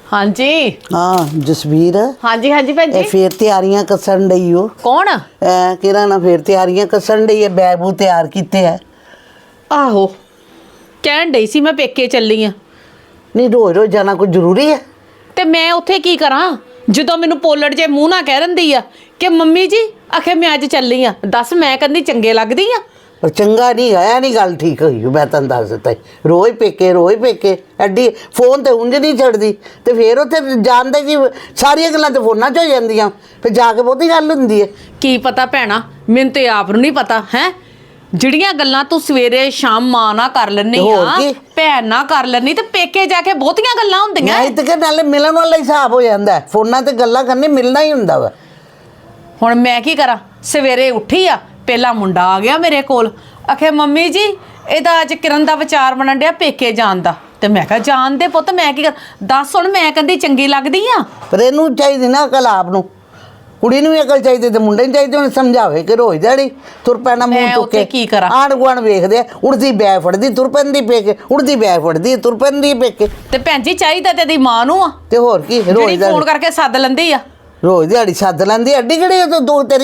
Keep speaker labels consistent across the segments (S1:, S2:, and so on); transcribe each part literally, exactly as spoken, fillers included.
S1: हाँ जी
S2: हाँ जसवीर।
S1: हाँ जी हाँ जी भैन जी।
S2: फिर तैयारियां कसण डई हो।
S1: कौन?
S2: किरा ना फिर तैयारियां कसण डई है, बैग बूग तैयार कीते है।
S1: आहो कहण डई सी मैं पेके चली हाँ।
S2: नहीं रोज रोज जाना कोई जरूरी है?
S1: ते मैं उत्थे की करा जो मैनू पोलड़ जे मूँह ना कह दिंदी आ कि मम्मी जी आखे मैं अज चली हाँ। दस मैं कहनी चंगे लगदी आ?
S2: पर चंगा नहीं है, नहीं गल ठीक हुई। मैं तेन दस दिता रोज पेके रोज पेके एडी फोन तो उंज नहीं छड़दी तो फिर उत्थे जानते कि सारिया गल्लां तो फोनां च हो जांदियां, फिर जाके बहुती गल हुंदी है।
S1: की पता भैणा, मैनूं ते आप नूं नहीं पता है ਜਿਹੜੀਆਂ ਗੱਲਾਂ ਤੂੰ ਸਵੇਰੇ ਸ਼ਾਮ ਮਾਂ ਨਾਲ ਕਰ ਲੈਣੀ ਆ, ਭੈਣ ਨਾਲ ਕਰ ਲੈਣੀ ਤੇ ਪੇਕੇ ਜਾ ਕੇ ਬਹੁਤੀਆਂ ਗੱਲਾਂ ਹੁੰਦੀਆਂ।
S2: ਨਹੀਂ ਤੇ ਕਿ ਨਾਲੇ ਮਿਲਣ ਵਾਲਾ ਹਿਸਾਬ ਹੋ ਜਾਂਦਾ, ਫੋਨਾਂ ਤੇ ਗੱਲਾਂ ਕਰਨੀ ਮਿਲਣਾ ਹੀ ਹੁੰਦਾ ਵਾ।
S1: ਹੁਣ ਮੈਂ ਕੀ ਕਰਾਂ? ਸਵੇਰੇ ਉੱਠੀ ਆ, ਪਹਿਲਾ ਮੁੰਡਾ ਆ ਗਿਆ ਮੇਰੇ ਕੋਲ, ਆਖੇ ਮੰਮੀ ਜੀ ਇਹਦਾ ਅੱਜ ਕਿਰਨ ਦਾ ਵਿਚਾਰ ਬਣਨ ਡਿਆ ਪੇਕੇ ਜਾਣ ਦਾ। ਤੇ ਮੈਂ ਕਿਹਾ ਜਾਣ ਦੇ ਪੁੱਤ, ਮੈਂ ਕੀ ਕਰ ਦੱਸ ਹੁਣ, ਮੈਂ ਕਹਿੰਦੀ ਚੰਗੀ ਲੱਗਦੀ ਆ?
S2: ਪਰ ਇਹਨੂੰ ਚਾਹੀਦੀ ਨਾ ਅਕਲ ਆਪ ਨੂੰ, ਕੁੜੀ ਨੂੰ ਵੀ ਅਕਲ ਚਾਹੀਦੀ ਤੇ ਮੁੰਡੇ ਨੂੰ ਚਾਹੀਦੀ। ਉਹਨੇ ਸਮਝਾਵੇ ਕਿ ਰੋਜ਼ ਦਿਹਾੜੀ ਤੁਰ ਪੈਣਾ ਮੂੰਹ ਚੁੱਕ ਕੇ।
S1: ਕੀ ਕਰਾਂ?
S2: ਆਂਢ ਗੁਆਂਢ ਵੇਖਦੇ ਉੜਦੀ ਬੈਗ ਫੜਦੀ ਤੁਰ ਪੈਂਦੀ ਪੇਕੇ, ਉੜਦੀ ਬੈਗ ਫੜਦੀ ਤੁਰ ਪੈਂਦੀ ਪੇਕੇ।
S1: ਤੇ ਭੈਣ ਜੀ ਚਾਹੀਦਾ ਤੇ ਦੀ ਮਾਂ ਨੂੰ ਆ,
S2: ਤੇ ਹੋਰ ਕੀ ਰੋਜ਼
S1: ਫੋਨ ਕਰਕੇ ਸੱਦ ਲੈਂਦੀ ਆ,
S2: ਰੋਜ਼ ਦਿਹਾੜੀ ਸੱਦ ਲੈਂਦੀ। ਅੱਡੀ ਕਿਹੜੀ ਉਹ ਦੋ ਤੇਰੀ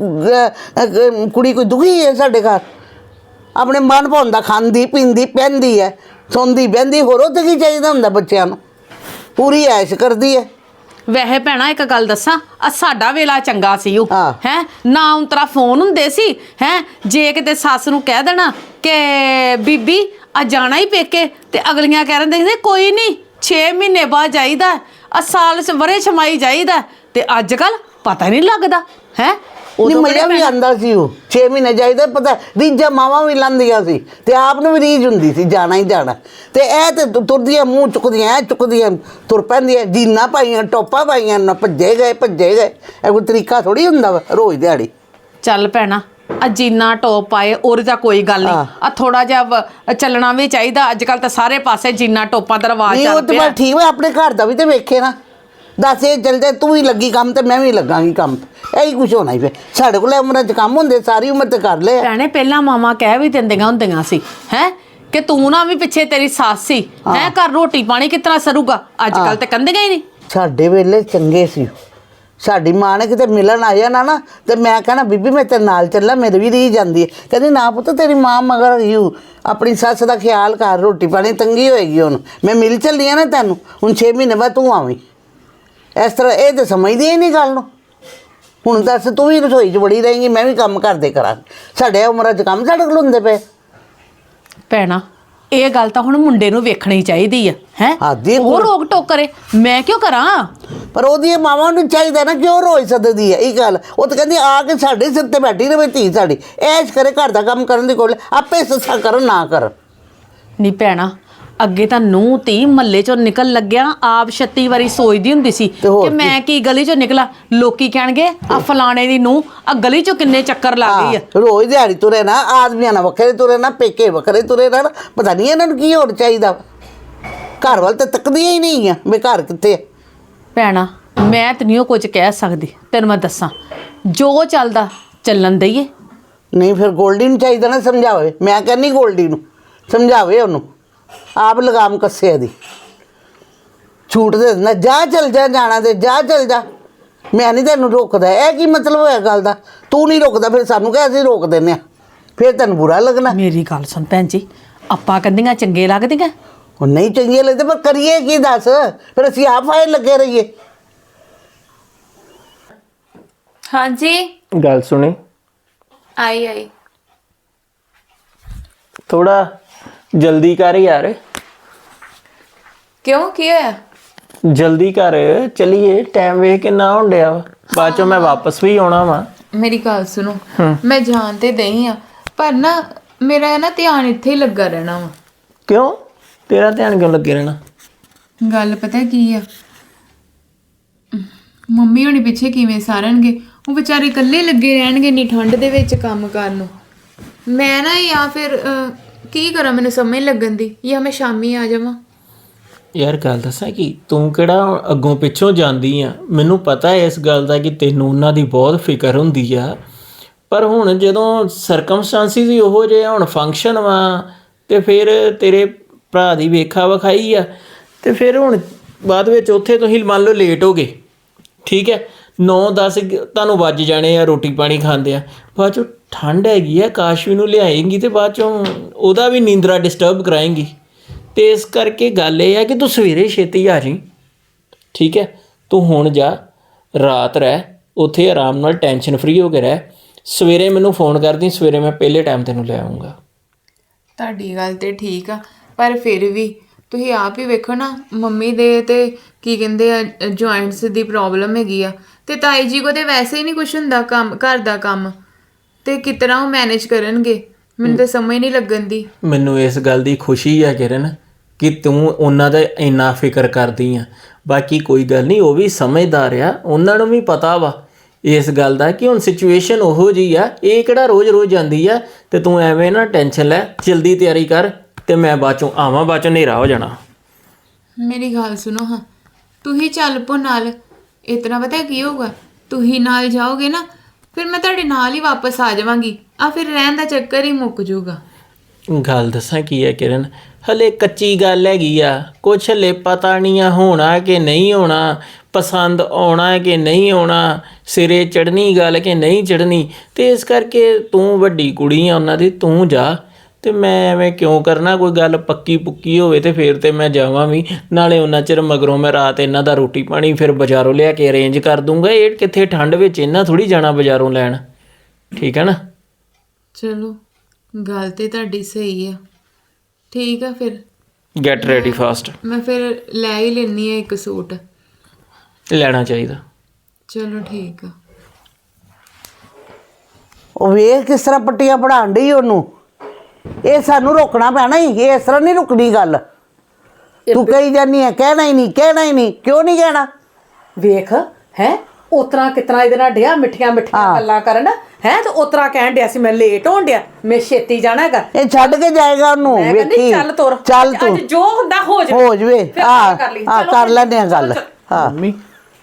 S2: ਕੁੜੀ ਕੋਈ ਦੁਖੀ ਹੈ ਸਾਡੇ ਘਰ? ਆਪਣੇ ਮਨ ਭਾਉਂਦਾ ਖਾਂਦੀ ਪੀਂਦੀ ਪਹਿਨਦੀ ਹੈ, ਸੌਂਦੀ ਬਹਿੰਦੀ, ਹੋਰ ਉਹ ਤੇ ਕੀ ਚਾਹੀਦਾ ਹੁੰਦਾ ਬੱਚਿਆਂ ਨੂੰ? ਪੂਰੀ ਐਸ਼ ਕਰਦੀ ਹੈ।
S1: ਵੈਸੇ ਭੈਣਾ ਇੱਕ ਗੱਲ ਦੱਸਾਂ, ਆ ਸਾਡਾ ਵੇਲਾ ਚੰਗਾ ਸੀ ਉਹ ਹੈ ਨਾ, ਉਂਤਰਾ ਫੋਨ ਹੁੰਦੇ ਸੀ ਹੈ। ਜੇ ਕਿਤੇ ਸੱਸ ਨੂੰ ਕਹਿ ਦੇਣਾ ਕਿ ਬੀਬੀ ਆ ਜਾਣਾ ਹੀ ਪੇਕੇ, ਤੇ ਅਗਲੀਆਂ ਕਹਿ ਦਿੰਦੇ ਸੀ ਕੋਈ ਨਹੀਂ ਛੇ ਮਹੀਨੇ ਬਾਅਦ ਜਾਈਦਾ, ਆ ਸਾਲ ਵਰੇ ਛਮਾਈ ਜਾਈਦਾ। ਤੇ ਅੱਜ ਕੱਲ ਪਤਾ ਨਹੀਂ ਲੱਗਦਾ ਹੈ।
S2: ਨਹੀਂ ਮਜ਼ਾ ਵੀ ਆਉਂਦਾ ਸੀ, ਉਹ ਛੇ ਮਹੀਨੇ ਜਾਈਦਾ। ਪਤਾ ਰੀਝਾਂ ਮਾਵਾਂ ਵੀ ਲਾਂਦੀਆਂ ਸੀ ਤੇ ਆਪ ਨੂੰ ਵੀ ਰੀਝ ਹੁੰਦੀ ਸੀ ਜਾਣਾ ਹੀ ਜਾਣਾ। ਤੇ ਇਹ ਤੇ ਤੁਰਦੀਆਂ ਮੂੰਹ ਚੁੱਕਦੀਆਂ ਐ ਚੁੱਕਦੀਆਂ ਤੁਰ ਪੈਂਦੀਆਂ, ਜੀਨਾਂ ਪਾਈਆਂ ਟੋਪਾਂ ਪਾਈਆਂ ਨਾ, ਭੱਜੇ ਗਏ ਭੱਜੇ ਗਏ। ਇਹ ਕੋਈ ਤਰੀਕਾ ਥੋੜੀ ਹੁੰਦਾ ਵਾ ਰੋਜ਼ ਦਿਹਾੜੀ।
S1: ਚੱਲ ਭੈਣਾ ਆ ਜੀਨਾ ਟੋਪ ਪਾਏ ਉਹਦੇ ਤਾਂ ਕੋਈ ਗੱਲ ਨਹੀਂ, ਆ ਥੋੜਾ ਜਿਹਾ ਚੱਲਣਾ ਵੀ ਚਾਹੀਦਾ। ਅੱਜ ਕੱਲ ਤਾਂ ਸਾਰੇ ਪਾਸੇ ਜੀਨਾ ਟੋਪਾਂ ਦਾ ਰਿਵਾਜ ਚੱਲ ਪਿਆ।
S2: ਠੀਕ ਵਾ, ਆਪਣੇ ਘਰ ਦਾ ਵੀ ਤੇ ਵੇਖੇ ਨਾ। ਦੱਸ ਇਹ ਚੱਲ ਜਾਏ, ਤੂੰ ਵੀ ਲੱਗੀ ਕੰਮ ਤੇ ਮੈਂ ਵੀ ਲੱਗਾਂਗੀ ਕੰਮ, ਇਹੀ ਕੁਛ ਹੋਣਾ ਹੀ। ਫਿਰ ਸਾਡੇ ਕੋਲ ਉਮਰਾਂ 'ਚ ਕੰਮ ਹੁੰਦੇ, ਸਾਰੀ ਉਮਰ ਤੇ ਕਰ ਲਏ।
S1: ਭੈਣੇ ਪਹਿਲਾਂ ਮਾਵਾਂ ਕਹਿ ਵੀ ਦਿੰਦੀਆਂ ਹੁੰਦੀਆਂ ਸੀ ਹੈ ਕਿ ਤੂੰ ਨਾ ਵੀ ਪਿੱਛੇ ਤੇਰੀ ਸੱਸ ਸੀ ਹੈ, ਘਰ ਰੋਟੀ ਪਾਣੀ ਕਿਤਨਾ ਸਰੂਗਾ। ਅੱਜ ਕੱਲ ਤੇ ਕਹਿੰਦੀਆਂ ਹੀ ਨਹੀਂ।
S2: ਸਾਡੇ ਵੇਲੇ ਚੰਗੇ ਸੀ। ਸਾਡੀ ਮਾਂ ਨੇ ਕਿਤੇ ਮਿਲਣ ਆ ਜਾਣਾ ਨਾ ਤੇ ਮੈਂ ਕਹਿਣਾ ਬੀਬੀ ਮੈਂ ਤੇਰੇ ਨਾਲ ਚੱਲਾਂ, ਮੇਰੇ ਵੀ ਰੀਝ ਜਾਂਦੀ ਹੈ। ਕਹਿੰਦੀ ਨਾ ਪੁੱਤ ਤੇਰੀ ਮਾਂ ਮਗਰ ਯੂ, ਆਪਣੀ ਸੱਸ ਦਾ ਖਿਆਲ ਕਰ, ਰੋਟੀ ਪਾਣੀ ਤੰਗੀ ਹੋਏਗੀ ਉਹਨੂੰ, ਮੈਂ ਮਿਲ ਚੱਲੀ ਆ ਨਾ ਤੈਨੂੰ, ਹੁਣ ਛੇ ਮਹੀਨੇ ਬਾਅਦ ਤੂੰ ਆਵੀਂ। ਇਸ ਤਰ੍ਹਾਂ ਇਹ ਤਾਂ ਸਮਝਦੀ ਹੀ ਨਹੀਂ ਗੱਲ ਨੂੰ। ਹੁਣ ਦੱਸ ਤੂੰ ਵੀ ਰਸੋਈ 'ਚ ਬੜੀ ਰਹੇਂਗੀ, ਮੈਂ ਵੀ ਕੰਮ ਕਰਦੇ ਕਰਾਂਗੀ। ਸਾਡੇ ਉਮਰਾਂ 'ਚ ਕੰਮ ਸਾਡੇ ਕੋਲ ਹੁੰਦੇ ਪਏ।
S1: ਭੈਣਾ ਇਹ ਗੱਲ ਤਾਂ ਹੁਣ ਮੁੰਡੇ ਨੂੰ ਵੇਖਣੀ ਚਾਹੀਦੀ ਆ ਹੈ, ਉਹ ਰੋਕ ਟੋਕ ਕਰੇ, ਮੈਂ ਕਿਉਂ ਕਰਾਂ?
S2: ਪਰ ਉਹਦੀਆਂ ਮਾਵਾਂ ਨੂੰ ਚਾਹੀਦਾ ਨਾ, ਕਿਉਂ ਰੋਜ਼ ਸੱਦਦੀ ਹੈ ਇਹ ਗੱਲ। ਉਹ ਤਾਂ ਕਹਿੰਦੀ ਆ ਕੇ ਸਾਡੇ ਸਿਰ ਤੇ ਬੈਠੀ ਰਹੇ ਧੀ ਸਾਡੀ, ਐਸ਼ ਕਰੇ, ਘਰ ਦਾ ਕੰਮ ਕਰਨ ਦੀ ਕੋਲ ਆਪੇ ਸੱਸਾਂ ਕਰਨ ਨਾ ਕਰਨ।
S1: ਨਹੀਂ ਭੈਣਾ ਅੱਗੇ ਤਾਂ ਨੂੰਹ ਧੀ ਮਹੱਲੇ ਚੋਂ ਨਿਕਲ ਲੱਗਿਆ ਆਪ ਛੱਤੀ ਵਾਰੀ ਸੋਚਦੀ ਹੁੰਦੀ ਸੀ ਕਿ ਮੈਂ ਕੀ ਗਲੀ ਚੋਂ ਨਿਕਲਾ, ਲੋਕੀ ਕਹਿਣਗੇ ਆ ਫਲਾਣੇ ਦੀ ਨੂੰਹ ਆ ਗਲੀ ਚੋਂ ਕਿੰਨੇ ਚੱਕਰ ਲਾ ਗਈ ਆ।
S2: ਰੋਜ਼ ਦਿਹਾੜੀ ਤੁਰੇ ਨਾ, ਆਦਮੀਆਂ ਨਾਲ ਵੱਖਰੇ ਤੁਰੇ ਨਾ, ਪੇਕੇ ਵੱਖਰੇ ਤੁਰੇ ਨਾ। ਪਤਾ ਨਹੀਂ ਇਹਨਾਂ ਨੂੰ ਕੀ ਹੋਰ ਚਾਹੀਦਾ, ਘਰ ਵੱਲ ਤਾਂ ਤੱਕਦੀਆਂ ਹੀ ਨਹੀਂ ਆ ਵੀ ਘਰ ਕਿੱਥੇ।
S1: ਭੈਣਾ ਮੈਂ ਤੇ ਨਹੀਂ ਉਹ ਕੁਝ ਕਹਿ ਸਕਦੀ, ਤੈਨੂੰ ਮੈਂ ਦੱਸਾਂ ਜੋ ਚੱਲਦਾ ਚੱਲਣ ਦਈਏ।
S2: ਨਹੀਂ ਫਿਰ ਗੋਲਡੀ ਨੂੰ ਚਾਹੀਦਾ ਨਾ ਸਮਝਾਵੇ। ਮੈਂ ਕਹਿੰਦੀ ਗੋਲਡੀ ਨੂੰ ਸਮਝਾਵੇ, ਉਹਨੂੰ ਆਪ ਲਗਾਮ ਕੱਸੇ ਦੀ ਛੂਟ ਦੇ ਦਿੰਦਾ, ਜਾ ਚੱਲ ਜਾ, ਜਾਣਾ ਤੇ ਜਾ ਚੱਲ ਜਾ, ਮੈਂ ਨਹੀਂ ਤੈਨੂੰ ਰੋਕਦਾ। ਇਹ ਕੀ ਮਤਲਬ ਹੋਇਆ ਗੱਲ ਦਾ? ਤੂੰ ਨਹੀਂ ਰੋਕਦਾ ਫਿਰ ਸਾਨੂੰ ਕਹਿ ਅਸੀਂ ਰੋਕ ਦਿੰਦੇ ਹਾਂ, ਫਿਰ ਤੈਨੂੰ ਬੁਰਾ ਲੱਗਣਾ।
S1: ਮੇਰੀ ਗੱਲ ਸੁਣ ਭੈਣ ਜੀ, ਆਪਾਂ ਕਹਿੰਦੀਆਂ ਚੰਗੇ ਲੱਗਦੀਆਂ?
S2: ਉਹ ਨਹੀਂ ਚੰਗੇ ਲੱਗਦੇ, ਪਰ ਕਰੀਏ ਕੀ ਦੱਸ? ਫਿਰ ਅਸੀਂ ਆਪ ਆਏ ਲੱਗੇ ਰਹੀਏ।
S3: ਹਾਂਜੀ
S4: ਗੱਲ ਸੁਣੀ?
S3: ਆਈ ਆਈ
S4: ਥੋੜਾ ਜਲਦੀ ਕਰ ਯਾਰ।
S3: ਕਿਉਂ ਕੀ ਹੋਇਆ?
S4: ਜਲਦੀ ਕਰ, ਚਲੀਏ, ਟਾਈਮ ਵੇਖ ਕਿੰਨਾ ਹੋਣ ਡਿਆ ਵਾ, ਬਾਅਦ ਚੋਂ ਮੈਂ ਵਾਪਸ ਵੀ ਆਉਣਾ ਵਾ।
S3: ਮੇਰੀ ਗੱਲ ਸੁਣੋ, ਮੈਂ ਜਾਣ ਤੇ ਦਈ ਆ, ਪਰ ਨਾ ਮੇਰਾ ਨਾ ਧਿਆਨ ਇੱਥੇ ਹੀ ਲੱਗਾ ਰਹਿਣਾ ਵਾ।
S4: ਕਿਉਂ ਤੇਰਾ ਧਿਆਨ ਕਿਉਂ ਲੱਗੇ ਰਹਿਣਾ?
S3: ਗੱਲ ਪਤਾ ਕੀ ਆ, ਮੰਮੀ ਹੋਣੀ ਪਿੱਛੇ ਕਿਵੇਂ ਸਾਰਨਗੇ, ਉਹ ਵਿਚਾਰੇ ਇਕੱਲੇ ਲੱਗੇ ਰਹਿਣਗੇ ਨੀ ਠੰਡ ਦੇ ਵਿੱਚ ਕੰਮ ਕਰਨ ਨੂੰ। ਮੈਂ ਨਾ ਜਾਂ ਫਿਰ ਕੀ ਕਰਾਂ, ਮੈਨੂੰ ਸਮਝ ਲੱਗਣ ਦੀ, ਜਾਂ ਮੈਂ ਸ਼ਾਮੀ ਆ ਜਾਵਾਂ।
S4: ਯਾਰ ਗੱਲ ਦੱਸਾਂ ਕਿ ਤੂੰ ਕਿਹੜਾ ਅੱਗੋਂ ਪਿੱਛੋਂ ਜਾਂਦੀ ਆ, ਮੈਨੂੰ ਪਤਾ ਹੈ ਇਸ ਗੱਲ ਦਾ ਕਿ ਤੈਨੂੰ ਉਹਨਾਂ ਦੀ ਬਹੁਤ ਫਿਕਰ ਹੁੰਦੀ ਆ, ਪਰ ਹੁਣ ਜਦੋਂ ਸਰਕਮਸਟੈਂਸਿਸ ਹੀ ਉਹੋ ਜਿਹੇ, ਹੁਣ ਫੰਕਸ਼ਨ ਵਾ ਤੇ ਫਿਰ ਤੇਰੇ ਭਰਾ ਦੀ ਵੇਖਾ ਵਿਖਾਈ ਆ, ਤੇ ਫਿਰ ਹੁਣ ਬਾਅਦ ਵਿੱਚ ਉੱਥੇ ਤੁਸੀਂ ਮੰਨ ਲਓ ਲੇਟ ਹੋ ਗਏ, ਠੀਕ ਹੈ, ਨੌ ਦਸ ਤੁਹਾਨੂੰ ਵੱਜ ਜਾਣੇ ਆ ਰੋਟੀ ਪਾਣੀ ਖਾਂਦੇ ਆ, ਬਾਅਦ ਚੋਂ ਠੰਡ ਹੈਗੀ ਆ, ਕਾਸ਼ਵੀ ਨੂੰ ਲਿਆਏਂਗੀ ਤੇ ਬਾਅਦ ਚੋਂ ਉਹਦਾ ਵੀ ਨੀਂਦਰਾ ਡਿਸਟਰਬ ਕਰਾਏਂਗੀ। ਤੇ ਇਸ ਕਰਕੇ ਗੱਲ ਇਹ ਆ ਕਿ ਤੂੰ ਸਵੇਰੇ ਛੇਤੀ ਆ ਜਾਈਂ, ਠੀਕ ਹੈ। ਤੂੰ ਹੁਣ ਜਾ, ਰਾਤ ਰਹਿ ਉੱਥੇ ਆਰਾਮ ਨਾਲ, ਟੈਨਸ਼ਨ ਫਰੀ ਹੋ ਕੇ ਰਹਿ, ਸਵੇਰੇ ਮੈਨੂੰ ਫੋਨ ਕਰਦੀ, ਸਵੇਰੇ ਮੈਂ ਪਹਿਲੇ ਟਾਈਮ ਤੈਨੂੰ ਲੈ ਆਊਂਗਾ।
S3: ਤੁਹਾਡੀ ਗੱਲ ਤੇ ਠੀਕ ਆ, ਪਰ ਫਿਰ ਵੀ ਤੁਸੀਂ ਆਪ ਹੀ ਵੇਖੋ ਨਾ, ਮੰਮੀ ਦੇ ਤੇ ਕੀ ਕਹਿੰਦੇ ਆ ਜੁਆਇੰਟਸ ਦੀ ਪ੍ਰੋਬਲਮ ਹੈਗੀ ਆ, ਤੇ ਤਾਈ ਜੀ ਕੋ ਤੇ ਵੈਸੇ ਹੀ ਨਹੀਂ ਕੁਛ ਹੁੰਦਾ ਕੰਮ, ਘਰ ਦਾ ਕੰਮ, ਤੇ ਕਿਸ ਤਰ੍ਹਾਂ ਉਹ ਮੈਨੇਜ ਕਰਨਗੇ? ਮੈਨੂੰ ਤਾਂ ਸਮਝ ਨਹੀਂ ਲੱਗਣ ਦੀ।
S4: ਮੈਨੂੰ ਇਸ ਗੱਲ ਦੀ ਖੁਸ਼ੀ ਹੈ ਕਿਰਨ ਕਿ ਤੂੰ ਉਹਨਾਂ ਦਾ ਇੰਨਾ ਫਿਕਰ ਕਰਦੀ ਆ। ਬਾਕੀ ਕੋਈ ਗੱਲ ਨਹੀਂ, ਉਹ ਵੀ ਸਮਝਦਾਰ ਆ, ਉਹਨਾਂ ਨੂੰ ਵੀ ਪਤਾ ਵਾ ਇਸ ਗੱਲ ਦਾ ਕਿ ਹੁਣ ਸਿਚੁਏਸ਼ਨ ਉਹੋ ਜਿਹੀ ਆ, ਇਹ ਕਿਹੜਾ ਰੋਜ਼-ਰੋਜ਼ ਜਾਂਦੀ ਆ। ਤੇ ਤੂੰ ਐਵੇਂ ਨਾ ਟੈਨਸ਼ਨ ਲੈ, ਜਲਦੀ ਤਿਆਰੀ ਕਰ ਤੇ ਮੈਂ ਬਾਅਦ ਚੋਂ ਆਵਾਂ, ਬਾਅਦ ਚੋਂ ਹਨੇਰਾ ਹੋ ਜਾਣਾ।
S3: ਮੇਰੀ ਗੱਲ ਸੁਣੋ ਹਾਂ, ਤੁਸੀਂ ਚੱਲ ਪੋ ਨਾਲ। ਇਤਨਾ ਪਤਾ ਕੀ ਹੋਊਗਾ, ਤੁਸੀਂ ਨਾਲ ਜਾਓਗੇ ਨਾ, ਫਿਰ ਮੈਂ ਤੁਹਾਡੇ ਨਾਲ ਹੀ ਵਾਪਸ ਆ ਜਾਵਾਂਗੀ, ਆ ਫਿਰ ਰਹਿਣ ਦਾ ਚੱਕਰ ਹੀ ਮੁੱਕ ਜਾਊਗਾ।
S4: ਗੱਲ ਦੱਸਾਂ ਕੀ ਹੈ ਕਿਰਨ, ਹਲੇ ਕੱਚੀ ਗੱਲ ਹੈਗੀ ਆ, ਕੁਛ ਹਲੇ ਪਤਾ ਨਹੀਂ ਆ ਹੋਣਾ ਕਿ ਨਹੀਂ ਹੋਣਾ, ਪਸੰਦ ਆਉਣਾ ਕਿ ਨਹੀਂ ਆਉਣਾ, ਸਿਰੇ ਚੜ੍ਹਨੀ ਗੱਲ ਕਿ ਨਹੀਂ ਚੜ੍ਹਨੀ। ਤੇ ਇਸ ਕਰਕੇ ਤੂੰ ਵੱਡੀ ਕੁੜੀ ਆ ਉਹਨਾਂ ਦੀ, ਤੂੰ ਜਾ, ਤੇ ਮੈਂ ਐਵੇਂ ਕਿਉਂ ਕਰਨਾ? ਕੋਈ ਗੱਲ ਪੱਕੀ ਪੁੱਕੀ ਹੋਵੇ ਤੇ ਫਿਰ ਤੇ ਮੈਂ ਜਾਵਾਂ ਵੀ, ਨਾਲੇ ਉਹਨਾਂ ਚਿਰ ਮਗਰੋਂ ਮੈਂ ਰਾਤ ਇਹਨਾਂ ਦਾ ਰੋਟੀ ਪਾਣੀ ਫਿਰ ਬਾਜ਼ਾਰੋਂ ਲਿਆ ਕੇ ਅਰੇਂਜ ਕਰ ਦੂੰਗਾ। ਇਹ ਕਿੱਥੇ ਠੰਡ ਵਿੱਚ ਇਹਨਾਂ ਥੋੜ੍ਹੀ ਜਾਣਾ ਬਾਜ਼ਾਰੋਂ ਲੈਣ, ਠੀਕ ਹੈ ਨਾ?
S3: ਚਲੋ ਗੱਲ ਤੇ ਤੁਹਾਡੀ ਸਹੀ ਆ, ਠੀਕ ਆ, ਫਿਰ
S4: ਗੈਟ ਰੈਡੀ ਫਾਸਟ।
S3: ਮੈਂ ਫਿਰ ਲੈ ਹੀ ਲੈਣੀ ਆ ਇੱਕ ਸੂਟ।
S4: ਲੈਣਾ ਚਾਹੀਦਾ।
S3: ਚਲੋ ਠੀਕ ਆ।
S2: ਉਹ ਵੇਖ ਕਿਸ ਤਰ੍ਹਾਂ ਪੱਟੀਆਂ ਪੜਾਉਣ ਡਈ ਉਹਨੂੰ। ਇਹ ਸਾਨੂੰ ਰੋਕਣਾ ਪੈਣਾ ਹੀ, ਇਹ ਇਸ ਤਰ੍ਹਾਂ ਨਹੀਂ ਰੁਕਣੀ ਗੱਲ। ਤੂੰ ਕਹੀ ਜਾਨੀ ਹੈ ਕਹਿਣਾ ਹੀ ਨਹੀਂ, ਕਹਿਣਾ ਹੀ ਨਹੀਂ, ਕਿਉਂ ਨਹੀਂ ਕਹਿਣਾ?
S1: ਵੇਖ ਹੈ ਉਤਰਾ ਕਿਤਨਾ ਇਹਦੇ ਨਾਲ ਡਿਆ ਮਿੱਠੀਆਂ ਮਿੱਠੀਆਂ ਗੱਲਾਂ ਕਰਨ ਹੈ, ਤੇ ਉਤਰਾ ਕਹਿਣ ਡਿਆ ਸੀ ਮੈਂ ਲੇਟ ਹੋਣ ਡਿਆ, ਮੈਂ ਛੇਤੀ ਜਾਣਾ ਹੈਗਾ।
S2: ਇਹ ਛੱਡ ਕੇ ਜਾਏਗਾ ਉਹਨੂੰ,
S1: ਮੈਂ ਕਹਿੰਦੀ
S2: ਵੇਖੀ।
S1: ਚੱਲ ਤੁਰ,
S2: ਚੱਲ ਤੂੰ,
S1: ਅੱਜ ਜੋ ਹੁੰਦਾ ਹੋ ਜਾਵੇ,
S2: ਹੋ ਜਵੇ।
S1: ਫਿਰ
S2: ਹਾਂ
S1: ਕਰ ਲਈ,
S2: ਹਾਂ
S1: ਚਲੋ
S2: ਕਰ
S1: ਫਿਰ।
S2: ਲੈਂਦੇ ਆ ਗੱਲ। ਹਾਂ
S4: ਮੰਮੀ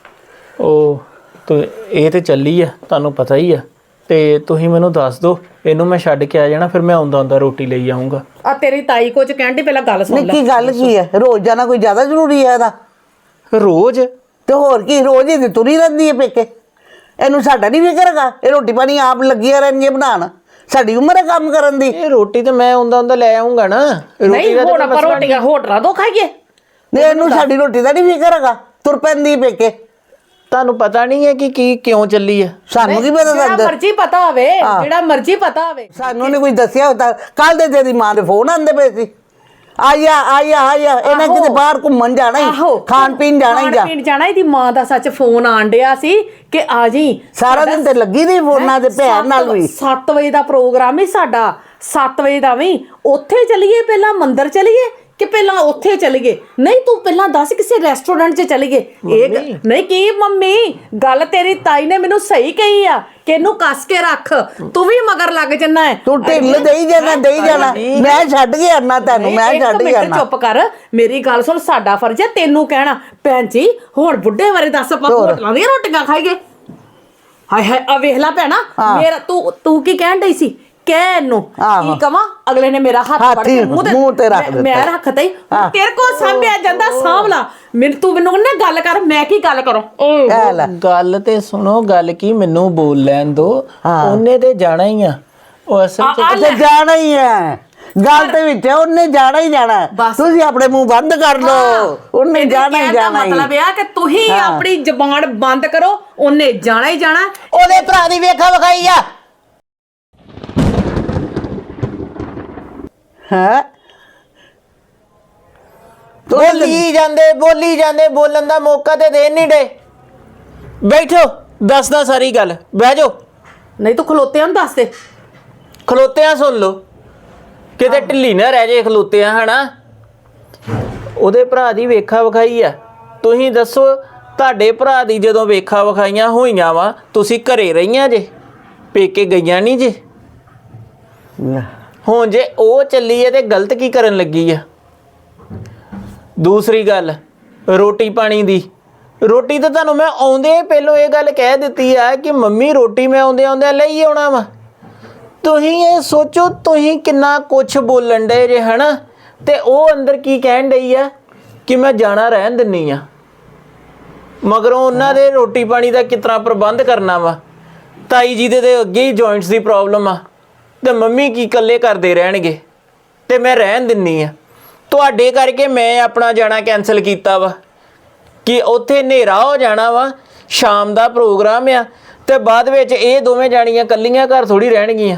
S4: ਉਹ ਤੂੰ ਇਹ ਤੇ ਚੱਲੀ ਆ, ਤੁਹਾਨੂੰ ਪਤਾ ਹੀ ਆ, ਤੇ ਤੁਸੀਂ ਮੈਨੂੰ ਦੱਸ ਦਿਓ, ਇਹਨੂੰ ਮੈਂ ਛੱਡ ਕੇ ਆ ਜਾਣਾ, ਫਿਰ ਮੈਂ ਆਉਂਦਾ ਆਉਂਦਾ ਰੋਟੀ ਲਈ ਆਉਂਗਾ।
S1: ਆ ਤੇਰੀ ਤਾਈ ਕੁਝ ਕਹਿਣ ਦੀ, ਪਹਿਲਾਂ ਗੱਲ ਸੁਣ
S2: ਨਹੀਂ
S1: ਲੈ।
S2: ਕੀ ਗੱਲ ਕੀ ਹੈ? ਰੋਜ਼ ਜਾਣਾ ਕੋਈ ਜ਼ਿਆਦਾ ਜ਼ਰੂਰੀ ਹੈ ਇਹਦਾ?
S4: ਰੋਜ਼
S2: ਤੇ ਹੋਰ ਕੀ, ਰੋਜ਼ ਹੀ ਤੇ ਤੁਰੀ ਰਹਿੰਦੀ ਹੈ ਪੇਕੇ। ਇਹਨੂੰ ਸਾਡਾ ਨਹੀਂ ਫਿਕਰ ਹੈਗਾ? ਇਹ ਰੋਟੀ ਪਾਣੀ ਆਪ ਲੱਗੀਆਂ ਰਹਿਣਗੀਆਂ ਬਣਾਉਣ, ਸਾਡੀ ਉਮਰ ਹੈ ਕੰਮ ਕਰਨ ਦੀ।
S4: ਇਹ ਰੋਟੀ ਤੇ ਮੈਂ ਆਉਂਦਾ ਆਉਂਦਾ ਲੈ ਆਉਂਗਾ ਨਾ।
S1: ਨਹੀਂ ਹੁਣ ਆਪਾਂ ਰੋਟੀਆਂ ਹੋਟਲਾਂ ਤੋਂ ਖਾਈਏ?
S2: ਨਹੀਂ ਇਹਨੂੰ ਸਾਡੀ ਰੋਟੀ ਦਾ ਨਹੀਂ ਫਿਕਰ ਹੈਗਾ, ਤੁਰ ਪੈਂਦੀ ਪੇਕੇ।
S4: ਤੁਹਾਨੂੰ ਪਤਾ ਨਹੀਂ ਹੈ ਕਿ ਕੀ ਕਿਉਂ ਚੱਲੀ ਆ?
S2: ਸਾਨੂੰ ਕੀ ਪਤਾ?
S1: ਜਿਹੜਾ
S2: ਦੱਸ
S1: ਮਰਜ਼ੀ ਪਤਾ ਹੋਵੇ, ਜਿਹੜਾ ਮਰਜ਼ੀ ਪਤਾ ਹੋਵੇ।
S2: ਸਾਨੂੰ ਨਹੀਂ ਕੋਈ ਦੱਸਿਆ ਹੁੰਦਾ। ਕੱਲ ਦੇ ਤੇਰੀ ਮਾਂ ਦੇ ਫੋਨ ਆਉਂਦੇ ਪਏ ਸੀ, ਆਇਆ ਆਇਆ ਆਇਆ। ਇਹਨਾਂ ਕਿਤੇ ਬਾਹਰ ਘੁੰਮਣ ਜਾਣਾ ਹੀ, ਖਾਣ ਪੀਣ ਜਾਣਾ ਹੀ। ਜਾ
S1: ਖਾਣ ਪੀਣ ਜਾਣਾ, ਇਹਦੀ ਮਾਂ ਦਾ ਸੱਚ ਫੋਨ ਆਣ ਡਿਆ ਸੀ ਕਿ ਆ ਜੀ।
S2: ਸਾਰਾ ਦਿਨ ਤੇ ਲੱਗੀ ਰਹੀ ਫੋਨਾਂ ਤੇ, ਭੈਣ ਨਾਲ ਵੀ।
S1: ਸੱਤ ਵਜੇ ਦਾ ਪ੍ਰੋਗਰਾਮ ਹੀ ਸਾਡਾ, ਸੱਤ ਵਜੇ ਦਾ ਵੀ। ਉੱਥੇ ਚਲੀਏ, ਪਹਿਲਾਂ ਮੰਦਿਰ ਚਲੀਏ ਕਿ ਪਹਿਲਾਂ ਉੱਥੇ ਚਲੀਏ? ਨਹੀਂ ਤੂੰ ਪਹਿਲਾਂ ਦੱਸ ਕਿਸੇ ਰੈਸਟੋਰੈਂਟ 'ਚ ਚਲੀਏ। ਇਹ ਗ- ਨਹੀਂ ਕੀ ਮੰਮੀ, ਗੱਲ ਤੇਰੀ ਤਾਈ ਨੇ ਮੈਨੂੰ ਸਹੀ ਕਹੀ ਆ ਕਿ ਇਹਨੂੰ ਕੱਸ ਕੇ ਰੱਖ, ਤੂੰ ਵੀ ਮਗਰ ਲੱਗ ਜੰਨਾ ਹੈ।
S2: ਤੂੰ ਢਿੱਲ ਦੇਈ ਜਾਣਾ, ਦੇਈ ਜਾਣਾ। ਮੈਂ ਛੱਡ ਕੇ ਆਣਾ ਤੈਨੂੰ, ਮੈਂ
S1: ਇੱਕ
S2: ਛੱਡ ਕੇ
S1: ਮਿੰਟ
S2: ਆਣਾ।
S1: ਚੁੱਪ ਕਰ, ਮੇਰੀ ਗੱਲ ਸੁਣ। ਸਾਡਾ ਫਰਜ਼ ਹੈ ਤੈਨੂੰ ਕਹਿਣਾ, ਭੈਣ ਜੀ ਹੁਣ ਬੁੱਢੇ ਬਾਰੇ ਦੱਸ, ਆਪਾਂ ਹੋਟਲਾਂ ਦੀਆਂ ਰੋਟੀਆਂ ਖਾਈਏ? ਹਾਏ ਹਾਏ ਆ ਵੇਖ ਲੈ ਭੈਣਾ, ਮੇਰਾ ਤੂੰ ਤੂੰ ਕੀ ਕਹਿਣ ਡਈ ਸੀ? ਕਹਿ ਇਹਨੂੰ ਕੀ ਕਵਾਂ? ਅਗਲੇ ਨੇ ਮੇਰਾ ਹੱਥ ਫੜ ਕੇ ਮੂੰਹ ਤੇ ਰੱਖ ਦਿੱਤਾ, ਮੈਂ ਰੱਖਤਾ ਹੀ। ਤੇਰੇ ਕੋਲ ਸਾਂਭਿਆ ਜਾਂਦਾ, ਸਾਂਭ ਲਾ। ਮੈਨੂੰ ਤੂੰ ਮੈਨੂੰ ਨਾ ਗੱਲ ਕਰ, ਮੈਂ ਕੀ ਗੱਲ ਕਰਾਂ?
S2: ਕਹਿ ਲੈ।
S4: ਗੱਲ ਤੇ ਸੁਣੋ, ਗੱਲ ਕੀ, ਮੈਨੂੰ ਬੋਲ ਲੈਣ ਦੋ। ਉਹਨੇ ਤੇ ਜਾਣਾ ਹੀ ਆ, ਉਹ ਅਸਲ ਚ
S2: ਤੇ ਜਾਣਾ ਹੀ ਹੈ। ਗੱਲ ਤੇ ਵਿੱਚ ਹੈ, ਉਹਨੇ ਜਾਣਾ ਹੀ ਜਾਣਾ। ਤੁਸੀਂ ਆਪਣੇ ਮੂੰਹ ਬੰਦ ਕਰ ਲਓ, ਉਹਨੇ ਜਾਣਾ ਹੀ ਜਾਣਾ।
S1: ਮਤਲਬ ਇਹ ਆ ਕਿ ਤੁਸੀਂ ਆਪਣੀ ਜ਼ਬਾਨ ਬੰਦ ਕਰੋ, ਉਹਨੇ ਜਾਣਾ ਹੀ ਜਾਣਾ।
S2: ਉਹਦੇ ਭਰਾ ਦੀ ਵੇਖਾ ਵਿਖਾਈ ਆ ਹੈ।
S4: ਬੋਲੀ ਜਾਂਦੇ ਬੋਲੀ ਜਾਂਦੇ, ਬੋਲਣ ਦਾ ਮੌਕਾ ਤੇ ਦੇ ਨਹੀਂ ਡੇ। ਬੈਠੋ, ਦੱਸਦਾ ਸਾਰੀ ਗੱਲ, ਬਹਿ ਜਾਓ।
S1: ਨਹੀਂ ਤੂੰ ਖਲੋਤੇ ਨੂੰ ਦੱਸ ਦੇ।
S4: ਖਲੋਤਿਆਂ ਸੁਣ ਲਓ, ਕਿਤੇ ਢਿੱਲੀ ਨਾ ਰਹਿ ਜੇ ਖਲੋਤਿਆਂ, ਹਨਾ? ਉਹਦੇ ਭਰਾ ਦੀ ਵੇਖਾ ਵਿਖਾਈ ਆ। ਤੁਸੀਂ ਦੱਸੋ, ਤੁਹਾਡੇ ਭਰਾ ਦੀ ਜਦੋਂ ਵੇਖਾ ਵਿਖਾਈਆਂ ਹੋਈਆਂ ਵਾ, ਤੁਸੀਂ ਘਰੇ ਰਹੀਆਂ ਜੇ, ਪੇਕੇ ਗਈਆਂ ਨਹੀਂ ਜੇ। ਹੁਣ ਜੇ ਉਹ ਚੱਲੀ ਹੈ ਤੇ ਗਲਤ ਕੀ ਕਰਨ ਲੱਗੀ ਆ? ਦੂਸਰੀ ਗੱਲ, ਰੋਟੀ ਪਾਣੀ ਦੀ। ਰੋਟੀ ਤਾਂ ਤੁਹਾਨੂੰ ਮੈਂ ਆਉਂਦੇ ਪਹਿਲੋਂ ਇਹ ਗੱਲ ਕਹਿ ਦਿੱਤੀ ਆ ਕਿ ਮੰਮੀ ਰੋਟੀ ਮੈਂ ਆਉਂਦੇ ਆਉਂਦੇ ਲਈ ਆਉਣਾ ਵਾ। ਤੁਸੀਂ ਇਹ ਸੋਚੋ, ਤੁਸੀਂ ਕਿੰਨਾ ਕੁਛ ਬੋਲਣ ਡੇ ਜੇ, ਹਨਾ? ਤੇ ਉਹ ਅੰਦਰ ਕੀ ਕਹਿਣ ਡਈ ਆ ਕਿ ਮੈਂ ਜਾਣਾ ਰਹਿਣ ਦਿੰਨੀ ਆ, ਮਗਰੋਂ ਉਹਨਾਂ ਦੇ ਰੋਟੀ ਪਾਣੀ ਦਾ ਕਿਸ ਤਰ੍ਹਾਂ ਪ੍ਰਬੰਧ ਕਰਨਾ ਵਾ। ਤਾਈ ਜੀ ਦੇ ਤੇ ਅੱਗੇ ਹੀ ਜੁਆਇੰਟਸ ਦੀ ਪ੍ਰੋਬਲਮ ਆ, ਤੇ ਮੰਮੀ ਕੀ ਇਕੱਲੇ ਕਰਦੇ ਰਹਿਣਗੇ, ਤੇ ਮੈਂ ਰਹਿਣ ਦਿੰਨੀ ਆ। ਤੁਹਾਡੇ ਕਰਕੇ ਮੈਂ ਆਪਣਾ ਜਾਣਾ ਕੈਂਸਲ ਕੀਤਾ ਵਾ ਕਿ ਉੱਥੇ ਹਨੇਰਾ ਹੋ ਜਾਣਾ ਵਾ, ਸ਼ਾਮ ਦਾ ਪ੍ਰੋਗਰਾਮ ਆ, ਤੇ ਬਾਅਦ ਵਿੱਚ ਇਹ ਦੋਵੇਂ ਜਾਣੀਆਂ ਇਕੱਲੀਆਂ ਘਰ ਥੋੜੀ ਰਹਿਣਗੀਆਂ।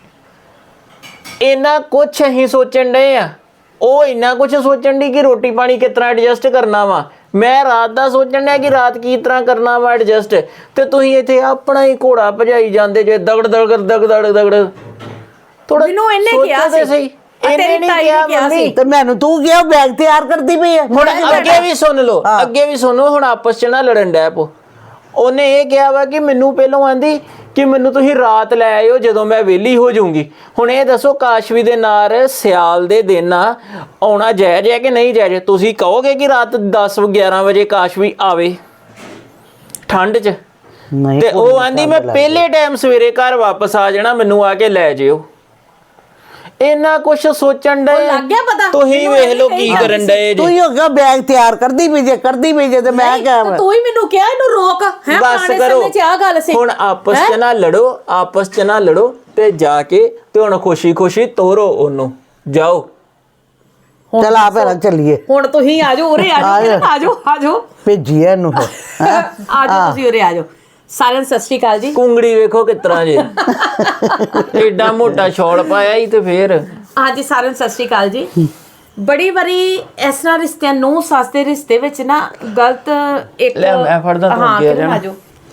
S4: ਇੰਨਾ ਕੁਛ ਅਸੀਂ ਸੋਚਣ ਡਏ ਆ, ਉਹ ਇੰਨਾ ਕੁਛ ਸੋਚਣ ਦੀ ਕਿ ਰੋਟੀ ਪਾਣੀ ਕਿਸ ਤਰ੍ਹਾਂ ਐਡਜਸਟ ਕਰਨਾ ਵਾ। ਮੈਂ ਰਾਤ ਦਾ ਸੋਚਣ ਡਿਆ ਕਿ ਰਾਤ ਕੀ ਤਰ੍ਹਾਂ ਕਰਨਾ ਵਾ ਐਡਜਸਟ, ਤੇ ਤੁਸੀਂ ਇੱਥੇ ਆਪਣਾ ਹੀ ਘੋੜਾ ਭਜਾਈ ਜਾਂਦੇ ਜੇ, ਦਗੜ ਦਗੜ ਦਗ ਦੜ ਦਗੜ। ਥੋੜਾ
S1: ਮੈਨੂੰ ਇਹਨੇ ਕਿਹਾ ਸੀ,
S4: ਇਹਨੇ ਨਹੀਂ ਕਿਹਾ ਮੰਮੀ,
S2: ਤੇ ਮੈਨੂੰ ਤੂੰ ਕਿਹਾ ਬੈਗ ਤਿਆਰ ਕਰਦੀ ਪਈ ਹੈ।
S4: ਹੁਣ ਅੱਗੇ ਵੀ ਸੁਣ ਲਓ, ਅੱਗੇ ਵੀ ਸੁਣੋ, ਹੁਣ ਆਪਸ ਚ ਨਾ ਲੜਨ ਡੈ ਪੋ। ਉਹਨੇ ਇਹ ਕਿਹਾ ਵਾ ਕਿ ਮੈਨੂੰ ਪਹਿਲਾਂ ਆਂਦੀ ਕਿ ਮੈਨੂੰ ਤੁਸੀਂ ਰਾਤ ਲੈ ਆਇਓ ਜਦੋਂ ਮੈਂ ਵਿਹਲੀ ਹੋ ਜਾਊਂਗੀ। ਹੁਣ ਇਹ ਦੱਸੋ ਕਾਸ਼ਵੀ ਦੇ ਨਾਲ ਸਿਆਲ ਦੇ ਦਿਨ ਆ ਆਉਣਾ ਜਾਇਜ਼ ਹੈ ਕਿ ਨਹੀਂ ਜਾਇਜ਼? ਤੁਸੀਂ ਕਹੋਗੇ ਕਿ ਰਾਤ ਦਸ ਗਿਆਰਾਂ ਵਜੇ ਕਾਸ਼ਵੀ ਆਵੇ ਠੰਡ 'ਚ,
S2: ਨਹੀਂ
S4: ਤੇ ਉਹ ਆਂਦੀ ਮੈਂ ਪਹਿਲੇ ਟਾਈਮ ਸਵੇਰੇ ਘਰ ਵਾਪਸ ਆ ਜਾਣਾ, ਮੈਨੂੰ ਆ ਕੇ ਲੈ ਜਿਓ। ਇੰਨਾ ਕੁਛ ਸੋਚਣ ਡਏ,
S1: ਲੱਗ ਗਿਆ ਪਤਾ?
S4: ਤੁਸੀਂ ਵੇਖ ਲਓ ਕੀ ਕਰਨ ਡਏ
S2: ਤੂੰ
S4: ਜੀ।
S2: ਹੀ ਹੋ ਗਿਆ ਬੈਗ ਤਿਆਰ ਕਰਦੀ ਪਈ ਜੇ ਕਰਦੀ ਪਈ ਜੇ, ਤੇ ਮੈਂ ਕਿਹਾ
S1: ਤੇ ਤੂੰ ਹੀ ਮੈਨੂੰ ਕਿਹਾ ਇਹਨੂੰ ਰੋਕ ਹੈ।
S4: ਬਸ ਕਰੋ ਹੁਣ, ਆਪਸ ਚ ਨਾ ਲੜੋ, ਆਪਸ ਚ ਨਾ ਲੜੋ, ਤੇ ਜਾ ਕੇ ਤੇ ਹੁਣ ਖੁਸ਼ੀ ਖੁਸ਼ੀ ਤੋਰੋ ਉਹਨੂੰ, ਜਾਓ।
S2: ਚਲ ਆ ਭੈਣਾ ਚੱਲੀਏ,
S1: ਹੁਣ ਤੁਸੀਂ ਆ ਜਾਓ, ਉਰੇ ਆ ਜਾਓ, ਆ ਜਾਓ ਆ ਜਾਓ,
S2: ਭੇਜੀਏ ਇਹਨੂੰ ਫਿਰ।
S1: ਆ ਜਾਓ ਤੁਸੀਂ ਉਰੇ ਆ ਜਾਓ। ਸਾਰਿਆਂ ਨੂੰ ਸਤਿ ਸ਼੍ਰੀ ਅਕਾਲ ਜੀ।
S4: ਕੁੰਗੜੀ ਵੇਖੋ ਕਿਸ ਤਰ੍ਹਾਂ ਜੇ, ਏਡਾ ਮੋਟਾ ਸ਼ੌਲ ਪਾਇਆ ਹੀ, ਤੇ ਫੇਰ
S1: ਹਾਂਜੀ ਸਾਰਿਆਂ ਨੂੰ ਸਤਿ ਸ਼੍ਰੀ ਅਕਾਲ ਜੀ। ਬੜੀ ਵਾਰੀ ਇਸ ਤਰ੍ਹਾਂ ਰਿਸ਼ਤਿਆਂ ਨੂੰ ਸੱਸ ਦੇ ਰਿਸ਼ਤੇ ਵਿੱਚ ਨਾ ਗਲਤ ਇੱਕ
S4: ਲੈ ਮੈਂ ਫੜਦਾ, ਤੂੰ
S1: ਹਾਂ
S4: ਅੱਗੇ ਆ
S1: ਕਿਰਨ
S4: ਜਾਣਾ।
S1: ਆ ਜਾਓ,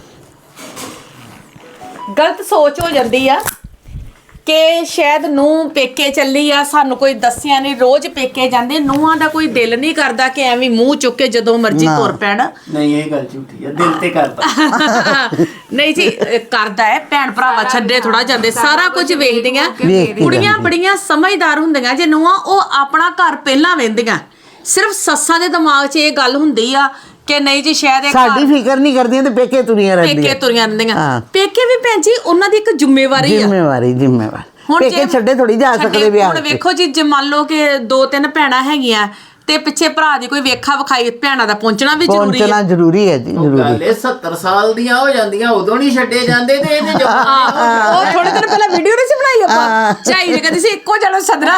S1: ਗਲਤ ਸੋਚ ਹੋ ਜਾਂਦੀ ਆ ਕਿ ਸ਼ਾਇਦ ਨੂੰ ਪੇਕੇ ਚੱਲੀ ਆ, ਸਾਨੂੰ ਕੋਈ ਦੱਸਿਆ ਨਹੀਂ। ਰੋਜ਼ ਪੇਕੇ ਜਾਂਦੇ, ਨੂੰਹਾਂ ਦਾ ਕੋਈ ਦਿਲ ਨਹੀਂ ਕਰਦਾ ਕਿ ਐਵੇਂ ਮੂੰਹ ਚੁੱਕ ਕੇ ਜਦੋਂ ਮਰਜ਼ੀ ਤੁਰ ਪੈਣ।
S4: ਨਹੀਂ, ਇਹ ਗੱਲ ਝੂਠੀ ਹੈ, ਦਿਲ ਤੇ ਕਰਦਾ
S1: ਨਹੀਂ ਜੀ, ਇਹ ਕਰਦਾ ਹੈ। ਭੈਣ ਭਰਾਵਾ ਛੱਡੇ ਥੋੜਾ ਜਾਂਦੇ, ਸਾਰਾ ਕੁਝ ਵੇਖਦੀਆਂ। ਕੁੜੀਆਂ ਬੜੀਆਂ ਸਮਝਦਾਰ ਹੁੰਦੀਆਂ ਜੇ ਨੂੰਹਾਂ, ਉਹ ਆਪਣਾ ਘਰ ਪਹਿਲਾਂ ਵੇਂਦੀਆਂ। ਸਿਰਫ ਸੱਸਾਂ ਦੇ ਦਿਮਾਗ 'ਚ ਇਹ ਗੱਲ ਹੁੰਦੀ ਆ ਕਿ ਨਹੀਂ ਜੀ ਸ਼ਾਇਦ ਇਹ
S2: ਸਾਡੀ ਫਿਕਰ ਨਹੀਂ ਕਰਦੀਆਂ ਤੇ ਪੇਕੇ ਤੁਰੀਆਂ ਰਹਿੰਦੀਆਂ,
S1: ਪੇਕੇ ਤੁਰੀਆਂ ਰਹਿੰਦੀਆਂ। ਪੇਕੇ ਵੀ ਭੈਣ ਜੀ ਉਹਨਾਂ ਦੀ ਇੱਕ ਜ਼ਿੰਮੇਵਾਰੀ ਆ।
S2: ਜ਼ਿੰਮੇਵਾਰੀ ਜ਼ਿੰਮੇਵਾਰੀ
S1: ਹੁਣ
S2: ਪੇਕੇ ਛੱਡੇ ਥੋੜੀ ਜਾ ਸਕਦੇ ਵਿਆਹ।
S1: ਹੁਣ ਵੇਖੋ ਜੀ, ਜੇ ਮੰਨ ਲਓ ਕਿ ਦੋ ਤਿੰਨ ਭੈਣਾਂ ਹੈਗੀਆਂ ਤੇ ਪਿੱਛੇ ਭਰਾ ਦੀ ਕੋਈ ਵੇਖਾ ਵਿਖਾਈ, ਭੈਣਾਂ ਦਾ ਪਹੁੰਚਣਾ ਵੀ ਜ਼ਰੂਰੀ ਹੈ।
S2: ਪਹੁੰਚਣਾ ਜ਼ਰੂਰੀ ਹੈ ਜੀ, ਜ਼ਰੂਰੀ।
S4: ਇਹ ਸੱਤਰ ਸਾਲ ਦੀਆਂ ਹੋ ਜਾਂਦੀਆਂ, ਉਦੋਂ ਨਹੀਂ ਛੱਡੇ ਜਾਂਦੇ, ਤੇ ਇਹਦੇ ਜੋ
S1: ਉਹ ਥੋੜੇ ਦਿਨ ਪਹਿਲਾਂ ਵੀਡੀਓ ਨਹੀਂ ਸੀ ਬਣਾਈ ਆਪਾਂ, ਝਾਈ ਨੇ ਕਹਿੰਦੀ ਸੀ ਇੱਕੋ ਜਣਾ ਸਦਰਾ।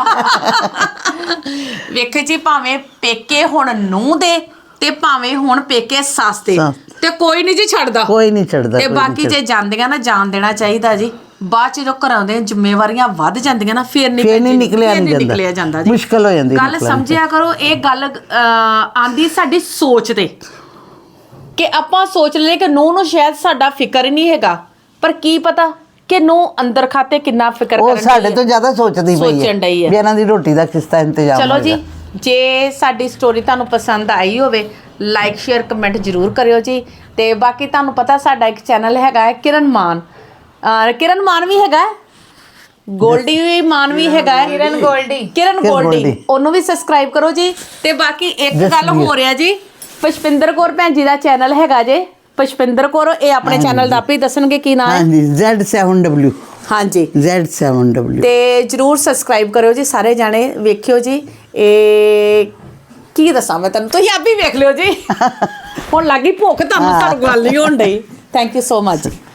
S1: ਵੇਖੇ ਜੀ, ਭਾਵੇਂ ਪੇਕੇ ਹੁਣ ਨੂੰਹ ਦੇ ਤੇ ਭਾਵੇਂ ਹੁਣ ਪੇਕੇ ਸੱਸ ਦੇ, ਤੇ ਕੋਈ ਨਹੀਂ ਜੀ ਛੱਡਦਾ,
S2: ਕੋਈ ਨਹੀਂ ਛੱਡਦਾ।
S1: ਤੇ ਬਾਕੀ ਜੇ ਜਾਂਦੀਆਂ ਨਾ, ਜਾਣ ਦੇਣਾ ਚਾਹੀਦਾ ਜੀ। ਬਾਅਦ ਚ ਜਦੋਂ ਘਰਾਂ ਦੇ ਜ਼ਿੰਮੇਵਾਰੀਆਂ ਵੱਧ ਜਾਂਦੀਆਂ ਨਾ, ਫੇਰ ਨਹੀਂ
S2: ਫੇਰ ਨਹੀਂ ਨਿਕਲਿਆ ਨਹੀਂ
S1: ਨਿਕਲਿਆ ਜਾਂਦਾ ਜੀ,
S2: ਮੁਸ਼ਕਲ ਹੋ ਜਾਂਦੀ।
S1: ਗੱਲ ਸਮਝਿਆ ਕਰੋ। ਇਹ ਗੱਲ ਆਂਦੀ ਸਾਡੀ ਸੋਚ ਤੇ, ਕਿ ਆਪਾਂ ਸੋਚ ਲਈਏ ਕਿ ਨੂੰਹ ਨੂੰ ਸ਼ਾਇਦ ਸਾਡਾ ਫਿਕਰ ਹੀ ਨਹੀਂ ਹੈਗਾ, ਪਰ ਕੀ ਪਤਾ ਕਿ ਨੂੰਹ ਅੰਦਰ ਖਾਤੇ ਕਿੰਨਾ ਫਿਕਰ
S2: ਉਹ
S1: ਕਰਨ
S2: ਸਾਡੇ ਤੋਂ ਜ਼ਿਆਦਾ ਸੋਚਦੀ ਪਈ
S1: ਸੋਚਣ ਡਈ
S2: ਹੈ
S1: ਹੈ
S2: ਵੀ ਇਹਨਾਂ ਦੀ ਰੋਟੀ ਦਾ ਕਿਸ ਤਰ੍ਹਾਂ ਇੰਤਜ਼ਾਮ
S1: ਚਲੋ ਜੀ,
S2: ਹੋਏਗਾ।
S1: ਜੇ ਸਾਡੀ ਸਟੋਰੀ ਤੁਹਾਨੂੰ ਪਸੰਦ ਆਈ ਹੋਵੇ, ਲਾਈਕ ਸ਼ੇਅਰ ਕਮੈਂਟ ਜ਼ਰੂਰ ਕਰਿਓ ਜੀ। ਤੇ ਬਾਕੀ ਤੁਹਾਨੂੰ ਪਤਾ ਸਾਡਾ ਇੱਕ ਚੈਨਲ ਹੈਗਾ ਹੈ ਕਿਰਨ ਮਾਨ, ਅਹ ਕਿਰਨ ਮਾਨ ਵੀ ਹੈਗਾ ਹੈ, ਗੋਲਡੀ ਵੀ ਮਾਨ ਵੀ ਹੈਗਾ ਹੈ, ਕਿਰਨ ਗੋਲਡੀ ਕਿਰਨ ਗੋਲਡੀ, ਉਹਨੂੰ ਵੀ ਸਬਸਕ੍ਰਾਈਬ ਕਰੋ ਜੀ। ਤੇ ਬਾਕੀ ਇੱਕ ਗੱਲ ਹੋ ਰਿਹਾ ਜੀ, ਪੁਸ਼ਪਿੰਦਰ ਕੌਰ ਭੈਣ ਜੀ ਦਾ ਚੈਨਲ ਹੈਗਾ ਜੇ, ਪੁਸ਼ਪਿੰਦਰ ਕੌਰ, ਇਹ ਆਪਣੇ ਚੈਨਲ ਦਾ ਆਪੇ ਹੀ ਦੱਸਣਗੇ ਕੀ ਨਾਮ ਹੈ।
S2: ਹਾਂਜੀ, ਜ਼ੈਡ ਸੈਵਨ ਡਬਲਿਊ।
S1: ਹਾਂਜੀ,
S2: ਜ਼ੈਡ ਸੈਵਨ ਡਬਲਿਊ।
S1: ਤੇ ਜਰੂਰ ਸਬਸਕ੍ਰਾਈਬ ਕਰਿਓ ਜੀ, ਸਾਰੇ ਜਾਣੇ ਵੇਖਿਓ ਜੀ। ਇਹ ਕੀ ਦੱਸਾਂ ਮੈਂ ਤੁਹਾਨੂੰ, ਤੁਸੀਂ ਆਪ ਹੀ ਵੇਖ ਲਿਓ ਜੀ। ਹੁਣ ਲੱਗੀ ਭੁੱਖ ਤੁਹਾਨੂੰ, ਤੁਹਾਨੂੰ ਗੱਲ ਨਹੀਂ ਹੋਣ ਡਈ। Thank you so much.